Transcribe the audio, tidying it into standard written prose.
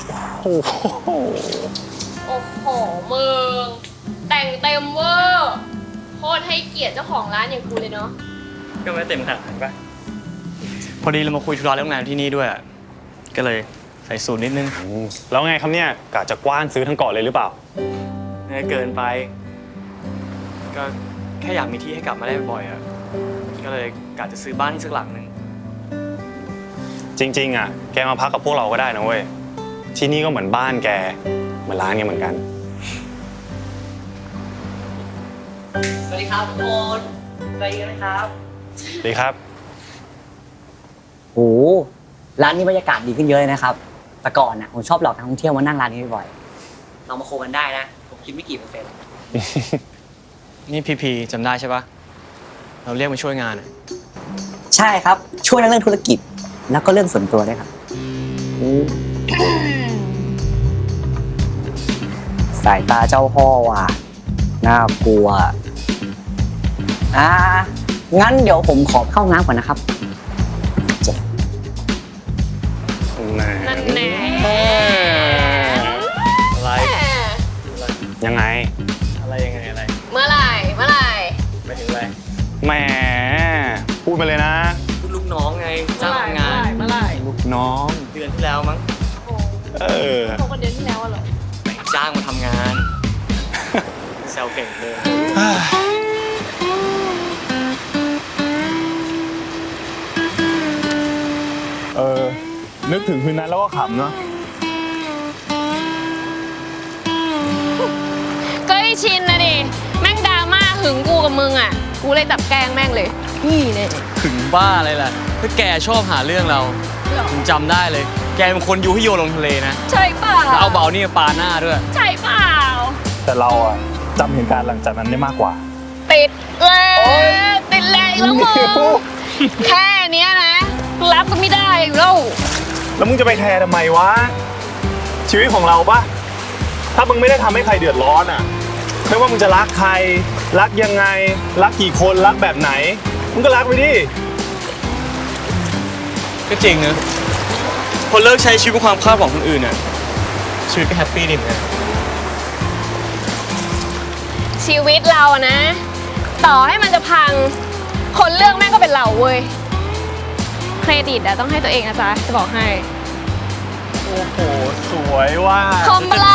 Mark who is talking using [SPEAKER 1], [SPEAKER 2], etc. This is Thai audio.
[SPEAKER 1] โอ้โห
[SPEAKER 2] โอ้โหมึงแต่งเต็มเวอร์โคตรให้เกียรติเจ้าของร้านอย่างกูเลยเนาะ
[SPEAKER 3] ก็ไม่เต็มขนาดนั้นป่ะพอดีเรามาคุยธุระเรื่องงานที่นี่ด้วยก็เลยใส่สูตรนิดนึง
[SPEAKER 1] แล้วไงครับเนี่ยกะจะกว้านซื้อทั้งเกาะเลยหรือเปล่า
[SPEAKER 3] เกินไปก็แค่อยากมีที่ให้กลับมาได้บ่อยอ่ะก็เลยกะจะซื้อบ้านที่สักหลังนึง
[SPEAKER 1] จริงๆอ่ะแกมาพักกับพวกเราก็ได้นะเว้ยที่นี่ก็เหมือนบ้านแกเหมือนร้านแกเหมือนกัน
[SPEAKER 4] สวัสดีครับทุกคนสวัสดีนะครับ
[SPEAKER 1] สวัสดีครับ
[SPEAKER 4] โอ้ร้านนี้บรรยากาศดีขึ้นเยอะเลยนะครับแต่ก่อนน่ะผมชอบหลอกนักท่องเที่ยวมานั่งร้านนี้บ่อยๆเรามาโคกันได้นะผมคิดไม่กี่เปอร์เซ็นต์
[SPEAKER 3] นี่พีจำได้ใช่ปะเราเรียกมาช่วยงาน
[SPEAKER 4] ใช่ครับช่วยในเรื่องธุรกิจแล้วก็เรื่องส่วนตัวด้วยครับสายตาเจ้าพ่อว่ะน่ากลัวงั้นเดี๋ยวผมขอเข้าน้ำก่อนนะครับ
[SPEAKER 2] นั่นแน่
[SPEAKER 3] อะไร
[SPEAKER 1] ยังไง
[SPEAKER 3] อะไร
[SPEAKER 2] เมื่อไหร่
[SPEAKER 3] ไม่ถึงอะไร
[SPEAKER 1] แหมพูดไปเลยนะ
[SPEAKER 3] ลูกน้องไงจ้างทำงาน
[SPEAKER 2] เมื่อไหร่
[SPEAKER 1] ลูกน้อง
[SPEAKER 3] เดือนที่แล้วมั้ง
[SPEAKER 2] โทรกันเดือนที่แล้วเหรอ
[SPEAKER 3] จ้างมาทำงานแซวเก่งเลย
[SPEAKER 1] นึกถึงคืนนั้นแล้วก็ขำเนาะ
[SPEAKER 2] ก็ไอชินนะดิแม่งดราม่าหึงกูกับมึงอ่ะกูเลยจับแกล้งแม่งเลยนี่เนี่ย
[SPEAKER 3] ถึงบ้าอะไรล่ะถ้าแกชอบหาเรื่องเราผมจำได้เลยแกเป็นคนยูให้โยนลงทะเลนะ
[SPEAKER 2] ใช่เปล่า
[SPEAKER 3] แล้วเอาเบานี่ปาหน้าด้วย
[SPEAKER 2] ใช่เปล่า
[SPEAKER 1] แต่เราอะจำเหตุการณ์หลังจากนั้นได้มากกว่า
[SPEAKER 2] ติดแล้วอีกแล้วมึงแค่เนี้ยนะรับก็ไม่ได้
[SPEAKER 1] แล้วมึงจะไปแคร์ทำไมวะชีวิตของเราปะถ้ามึงไม่ได้ทำให้ใครเดือดร้อนอะไม่ว่ามึงจะรักใครรักยังไงรักกี่คนรักแบบไหนมึงก็รักไปดิ
[SPEAKER 3] ก็จริงนะพอเลิกใช้ชีวิตเป็นความคาดหวังคนอื่นน่ะชีวิตก็แฮปปี้ดีเหมือนกัน
[SPEAKER 2] ชีวิตเรานะ ต่อให้มันจะพังคนเลือกแม่งก็เป็นเราเว้ยเครดิตอะต้องให้ตัวเองนะจ๊ะจะบอกให้
[SPEAKER 1] โอ้โหสวยว่า
[SPEAKER 2] คอมอะไร